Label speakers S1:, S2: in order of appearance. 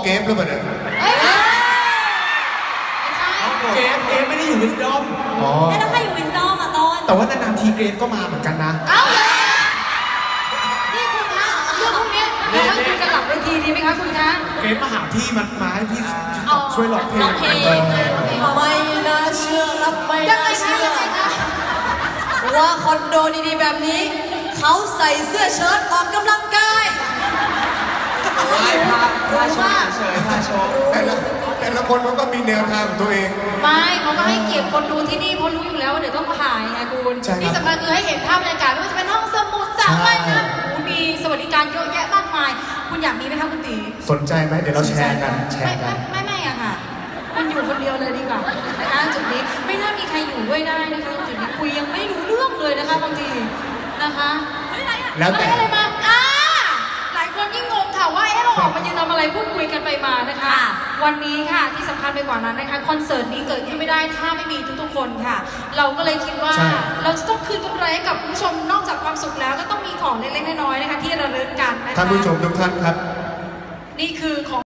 S1: เกฟหรือเปล่าเนี่ย
S2: เกฟไม่ได้อยู่วิสดอม
S3: แล้วใครอยู่วิสดอมอ่ะตอน
S2: แต่ว่านานๆทีเกฟก็มาเหมือนกันนะ
S4: เอาเลยนี่คุณคะเรื่องพวกนี้เราให้คุยกันหลังเวทีดีไหมคะคุณคะ
S2: เกฟมาหาพี่มาให้พี่ช่วยร้องเพลง
S3: ไม่น่าเชื่อครับไม่น่าเชื่อว่าคอนโดดีๆแบบนี้เขาใส่เสื้อเชิ้ตออกกำลังกาย
S2: พาโชว์เฉยพาโชว์
S1: แต่ละคนมันก็มีแนวทางของตัวเอง
S4: ไม่เขาก็ให้เกียรติคนดูที่นี่เพราะรู้อยู่แล้วว่าเดี๋ยวต้องถ่ายไงคุณที่สำคัญคือให้เห็นภาพบรรยากาศไม่ว่าจะเป็นห้องสมุดสระว่ายน้ำมีสวัสดิการเยอะแยะมากมายคุณอยากมีไหมคะคุณตี
S1: สนใจไหมเดี๋ยวเราแชร์กัน
S4: ไม่อะค่ะคุณอยู่คนเดียวเลยดีกว่านะคะจุดนี้ไม่น่ามีใครอยู่ด้วยได้นะคะจุดนี้คุยยังไม่รู้เรื่องเลยนะคะบางทีนะคะ
S1: แล้วแต่
S4: อะไรมาหลายคนยิ่งงงค่ะว่าเราออกมายืนทำอะไรพูดคุยกันไปมานะคะวันนี้ค่ะที่สำคัญไปกว่านั้นนะคะคอนเสิร์ตนี้เกิดขึ้นไม่ได้ถ้าไม่มีทุกๆคนค่ะเราก็เลยคิดว่าเราจะต้องคืนกำไรให้กับคุณผู้ชมนอกจากความสุขแล้วก็ต้องมีของเล็กๆน้อยๆนะคะที่ระลึกกันนะคะ
S1: ท่านผู้ชมทุกท่านครับ
S4: นี่คือของ